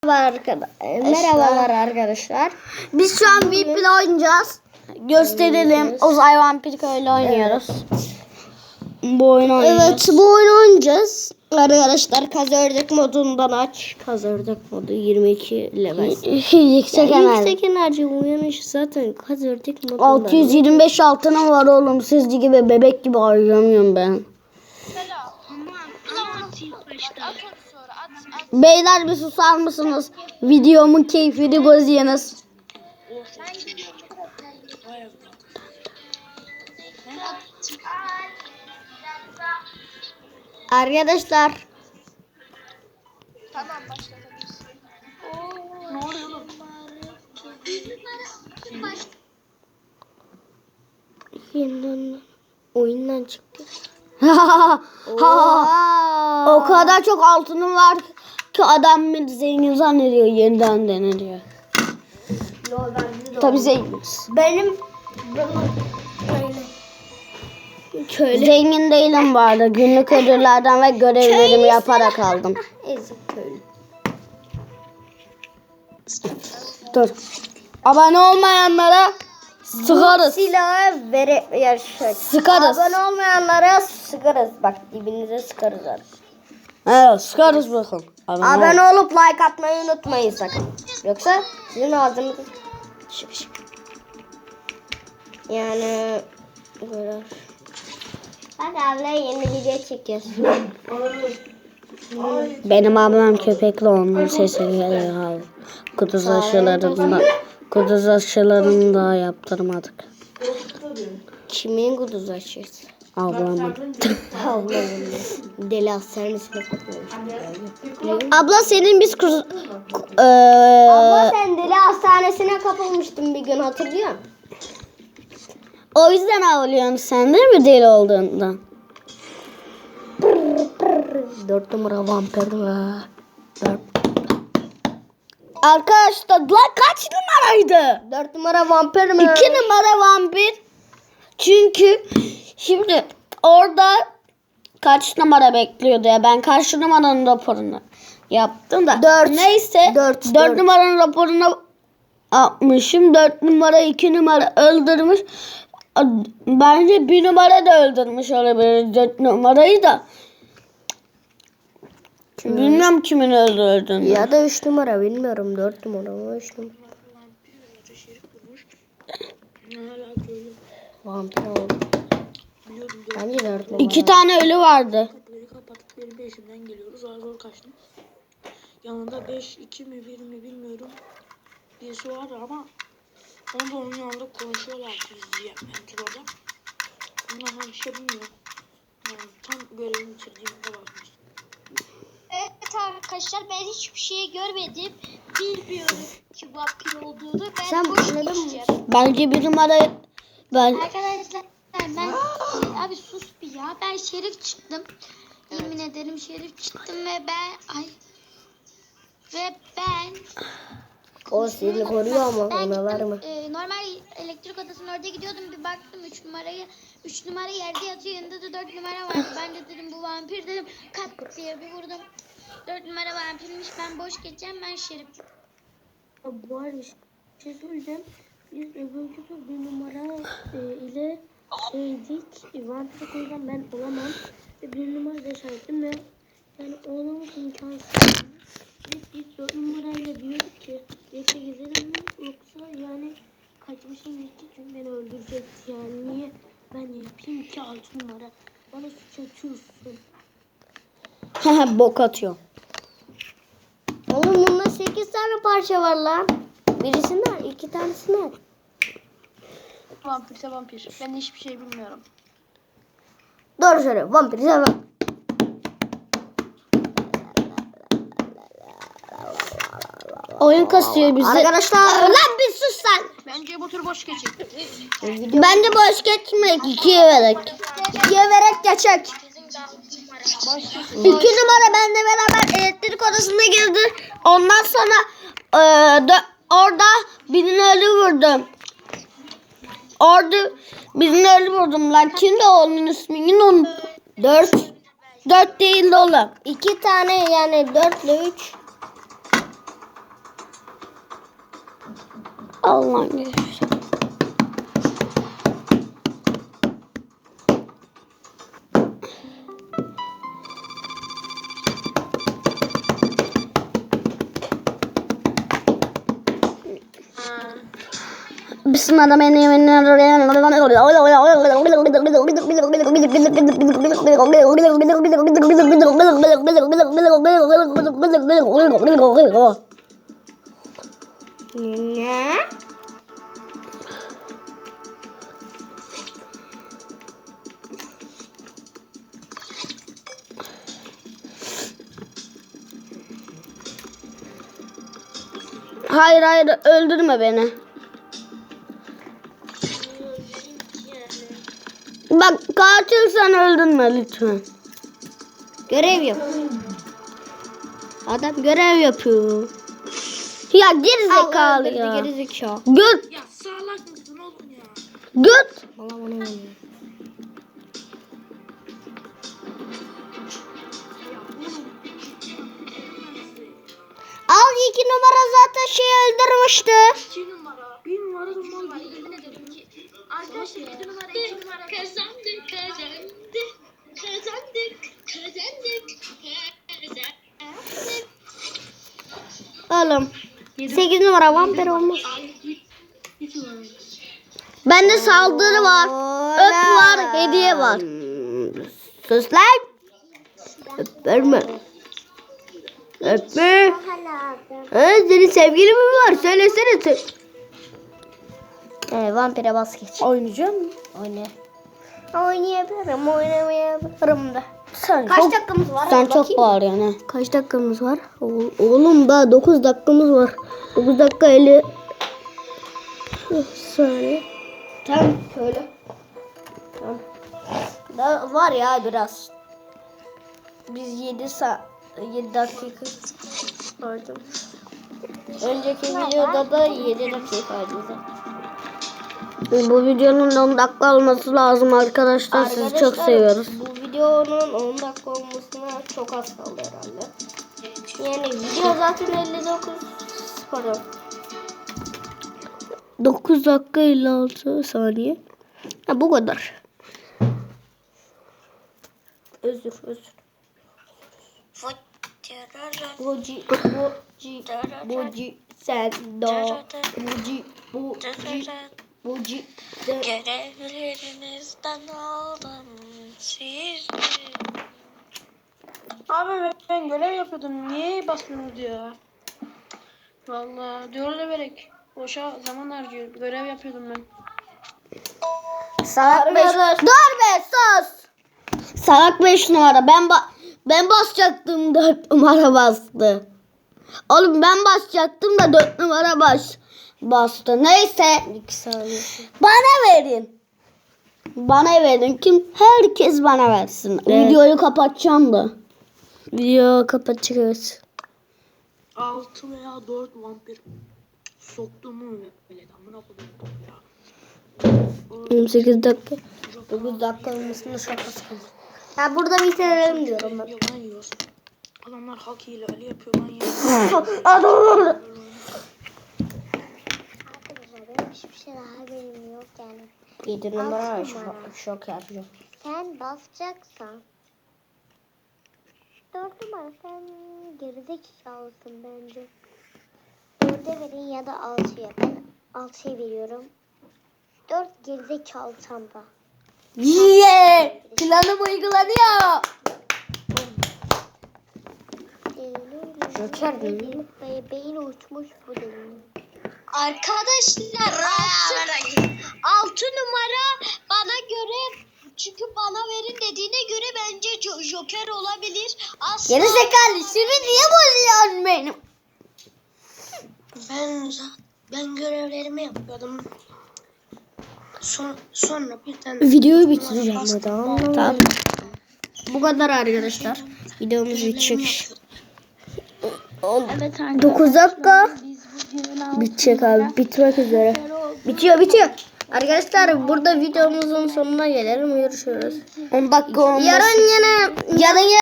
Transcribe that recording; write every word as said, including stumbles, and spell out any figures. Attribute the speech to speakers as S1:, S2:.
S1: Merhaba arkadaşlar. Merhabalar arkadaşlar. Biz şu an V I P ile oynayacağız. Gösterelim. Uzay Vampir Köy'le oynuyoruz. Evet. Bu oyunu oynayacağız. Evet, bu oyunu oynayacağız. Arkadaşlar kaz ördek modundan aç. Kaz ördek modu yirmi iki level. yüksek enerji. Yüksek enerji uyanış zaten kaz ördek modundan. altı yüz yirmi beş altınım var oğlum. Sizce gibi bebek gibi harcamıyorum ben. Beyler bir susar mısınız? Videomun keyfini bozuyorsunuz. Arkadaşlar.
S2: Tamam başlatabilirsin. Ne oluyor oğlum?
S1: Yeniden oyundan çıktı. O kadar çok altınım var ki adam beni zengin zannediyor, yeniden deniliyor. Tabii zenginiz. Benim köylü. Zengin değilim bu arada. Günlük ödüllerden ve görevlerimi yaparak aldım. Ezik köylü. Dur. Abone olmayanlara sıkarız. Silahı vere yaşak. Sıkarız. Abone olmayanlara sıkarız. Bak dibinize sıkarız artık. Evet, sıkarız bakın. Abone, Abone ol. olup like atmayı unutmayın sakın. Yoksa sizin ağzınız şık şık. Yani böyle. Hadi abla yeni video çekiyoruz. Benim ablam köpekli, onun sesi geliyor. Kuduz aşılarında kuduz aşılarını da yaptırmadık. Kimin kuduz aşısı? Ablamın. Ablamın. Deli hastanesine kapılmış. Abla senin biz kuz... Ee... Abla sen deli hastanesine kapılmıştın bir gün, hatırlıyor musun? O yüzden ağlıyorsun sen değil mi deli olduğundan? Dört numara vampir var. Dört. Arkadaşlar lan kaç numaraydı? Dört numara vampir mi? İki numara vampir. Çünkü şimdi orada kaç numara bekliyordu ya? Ben kaç numaranın raporunu yaptım da. Dört. Neyse. Dört. Dört, dört. Numaranın raporunu yapmışım. Dört numara iki numara öldürmüş. Bence bir numara da öldürmüş olabilir dört numarayı da. Kim? Bilmiyorum kimin öldürdüğünü. Ya da üç numara bilmiyorum. dört numara mı üç numara. Vampir oldu. Bence dört numara. İki tane ölü vardı.
S2: Kapıları kapattık, benim peşimden geliyoruz. Zar zor kaçtım. Yanında beş iki mi bir mi bilmiyorum. Birisi vardı ama onu da onun yanında konuşuyorlar biz diye. Ben orada. Bundan bir şey bilmiyorum. Yani tam görevimi bitirdiğimde bakmıştım.
S3: Evet arkadaşlar, ben hiçbir şey görmedim. Bilmiyorum ki vampir olduğunu. Ben
S1: Sen
S3: boş
S1: anladın mı?
S3: geçeceğim.
S1: Bence bir numara ben.
S3: Arkadaşlar ben abi sus bir ya. Ben şerif çıktım. Yemin ederim şerif çıktım ve ben ay ve ben
S1: O seni koruyor ama
S3: ben
S1: ona var
S3: gittim,
S1: mı?
S3: E, normal elektrik odasının orada gidiyordum, bir baktım üç numarayı üç numara yerde yatıyor, yanında da dört numara var. Ben de dedim bu vampir, dedim kat diye bir vurdum. dört numara vampirmiş, ben boş geçeceğim, ben şerif.
S2: Bu arada bir şey söyleyeceğim. Biz öbür tur bir numara e, ile şeydik. Vampir koydan ben olamam. Ve bir numara da şahidim ve yani oğlamak imkansız. Biz, biz dört numarayla diyorduk ki birlikte gezelim mi? Yoksa yani kaçmışım gitti çünkü beni öldürecekti. Yani niye ben yapayım ki altı numara? Bana suç atıyorsun.
S1: Haha bok atıyor. Oğlum bunda sekiz tane parça var lan. Birisinden iki tanesinden.
S2: Vampirse vampir. Ben hiçbir şey bilmiyorum.
S1: Doğru söylüyor. Vampir sen bak. Oyun kasıyor bizi. Arkadaşlar. Lan bir sus sen.
S2: Bence bu tur boş geçecek.
S1: Bence boş geçmek. İkiye verek. İkiye verek geçecek. İki numara benimle beraber elektrik odasına girdi. Ondan sonra e, de, orada birini ölü vurdum. Orada birini ölü vurdum. Lan kimdi onun ismini unuttum. Dört. Dört değil oğlum. İki tane yani dört ile üç. Allah'ım ya. Bismillahirrahmanirrahim.
S2: Ne?
S1: Hayır hayır öldürme beni. Bak katilsen öldürme lütfen. Görev yap. Adam görev yapıyor. Ya geri zekalı ya.
S2: Geri zekalı.
S1: Göt.
S4: Ya salak mısın oğlum ya?
S1: Göt. Al iki numara zaten şey öldürmüştü.
S4: İki numara. Bir numara da mal gibi. Yemin ederim ki. Arkadaşlar iki numara iki numara.
S3: Kazandık, kazandık, kazandık, kazandık, kazandık.
S1: Oğlum. sekiz numara vampir olmuş.
S4: İki numara.
S1: Bende saldırı var. Öp var. Hediye var. Sus lan. Öpme. Öpme. Ha, senin sevgilin mi var? Söylesene sen. Ee, vampire bas geç. Oynayacağım mı? Oyna.
S2: Oynayabilirim, oynamayabilirim de.
S1: Sen
S2: Kaç
S1: çok,
S2: dakikamız var?
S1: sen
S2: Hadi
S1: çok
S2: bakayım.
S1: bağırıyorsun ha. Kaç dakikamız var? O- Oğlum daha dokuz dakikamız var. dokuz dakika elli saniye.
S2: Tamam, şöyle. Tamam. Da var ya biraz. Biz yedi saat, yedi dakika vardı. Önceki videoda da yedi dakikaydı zaten.
S1: Bu videonun on dakika olması lazım arkadaşlar. Sizi çok
S2: Arkadaşlar,
S1: seviyoruz.
S2: Bu videonun on dakika olmasına çok az kaldı herhalde. Yani video zaten elli dokuz pardon.
S1: dokuz dakika elli altı saniye. Ha, bu kadar.
S2: Özür özür. Buci buci buci sen do buci buci buci sen.
S4: Görevlerinizden aldım siz. Abi ben görev yapıyordum. Niye basmıyorsunuz ya? Vallahi diyorlar vererek. Boşa zaman harcıyor. Görev yapıyordum ben.
S1: Salak beş. Dur be sus. Salak beş numara. Ben ba ben basacaktım dört numara bastı. Oğlum ben basacaktım da dört numara bas bastı. Neyse.
S2: İki saniye.
S1: Bana verin. Bana verin. Kim? Herkes bana versin.
S2: Evet.
S1: Videoyu kapatacağım da. Video kapatacağız.
S4: Altı veya dört vampir soktum mu böyle amına koyayım ya.
S1: yirmi sekiz dakika.
S2: dokuz dakika olmasını şakası kaldı. Ya burada bitirelim diyorum ben.
S4: Yalan yiyorsun. Adamlar hak ihlali yapıyor lan ya.
S2: Arkadaşlar benim hiçbir şey daha benim yok yani.
S1: yedi
S2: numara
S1: şok, şok yapacağım.
S2: Sen basacaksan dört numara sen gerizekalısın bence. Dörde verin ya da altıya. Ben altıya veriyorum. Dört gerizekalı çanta.
S1: Yeah! Planım uygulanıyor. Joker değil mi?
S2: Be- Beyin uçmuş bu değil.
S3: Arkadaşlar altı, altı numara bana göre çünkü bana verin dediğine göre bence Jo- Joker olabilir. Asla.
S1: Gerizekalı şimdi niye bozuyorsun benim?
S4: Ben ben görevlerimi yapıyordum. Son, sonra birden
S1: Videoyu bitireceğim
S4: Bastım,
S1: hadi
S4: bağırdım.
S1: Tamam. Bu kadar arkadaşlar. Videomuz bitecek.
S3: Evet arkadaşlar.
S1: dokuz dakika.
S3: Biz bugün
S1: Bitecek abi. Bitmek üzere. Bitiyor bitiyor. Arkadaşlar burada videomuzun sonuna gelelim. Görüşürüz. on dakika olmuş. Yarın yine yarın